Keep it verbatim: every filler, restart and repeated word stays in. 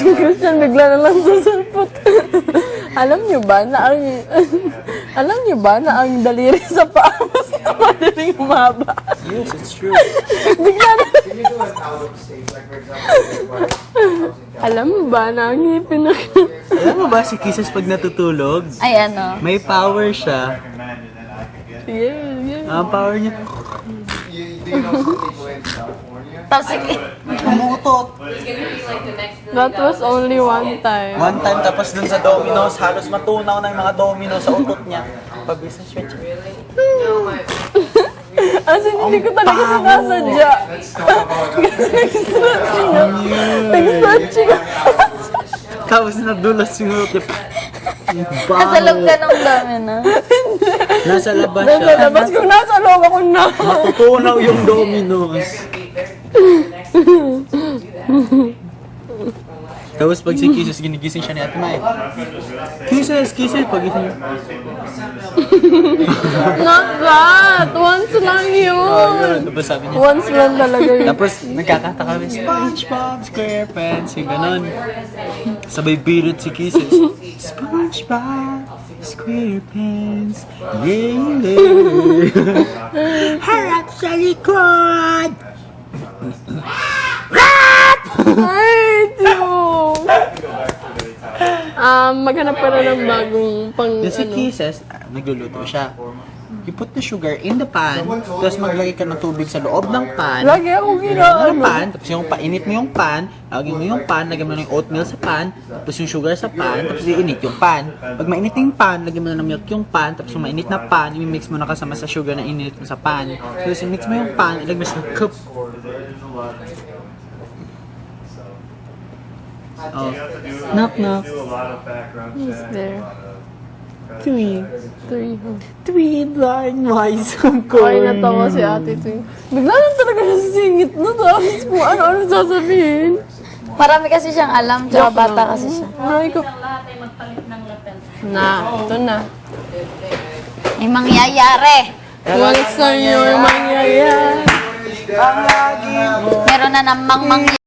Si Christian bigla na lang sasalpot. Alam niyo ba na ang alam niyo ba na ang daliri sa paa mas madaling humaba? Yes, it's true. Bigla na. Alam mo ba na ang ngipin na Alam mo ba si Kisses pag natutulog? Ay, ano? May power siya. Yeah, yeah. Ang power niya. Tapos, sige. Umutot. That was only one time. One time tapos dun sa dominoes, halos matunaw na yung mga domino sa utot niya. Pabis na stretch. As in, hindi ko talaga sinasadya. Nag-stretching ako. Nag-stretching ako. Tapos nadulas yung utot. Nasa loob ka ng domino. Nasa labas Nasa siya. labas kung nasa loob ako na. Matutunaw yung dominoes. Tapos pag si Kisses, ginigising siya ni Ate Mai. Kisses, Kisses, pagising niya. Not that! Once lang yun! Tapos sabi niya. Once lang talaga yun. Tapos nagkakanta kami, SpongeBob SquarePants, yung ganon. Sabay birit si Kisses. SpongeBob SquarePants, yeah, yeah. Harap sa likod! Ay, Diyo! Um, maghanap pa na ng bagong pang Then si ano. Kisses, ah, nagluluto siya. You put the sugar in the pan, tapos maglagay ka ng tubig sa loob ng pan. Lagi akong Lagyan mo ginaano. ng pan, tapos yung painit mo yung pan, lagyan mo yung pan, lagyan mo ng oatmeal sa pan, tapos yung sugar sa pan, tapos iinit yung pan. Pag mainit yung pan, lagyan mo na ng milk yung pan, tapos yung mainit na pan, i-mix mo na kasama sa sugar na init mo sa pan. Tapos i-mix mo yung pan, ilagay mo sa cup. Oh. Knock knock. Who's there? Three. Three. huh? Three blind mice ang Ay, natawa si ate Twing. Bigla lang talaga siya sisingit na tapos kung ano-ano sasabihin. Marami kasi siyang alam, tsaka bata kasi siya. Ay, ko. Na, ito na. May mangyayari. What's on your mangyayari? Meron na namang mangyayari.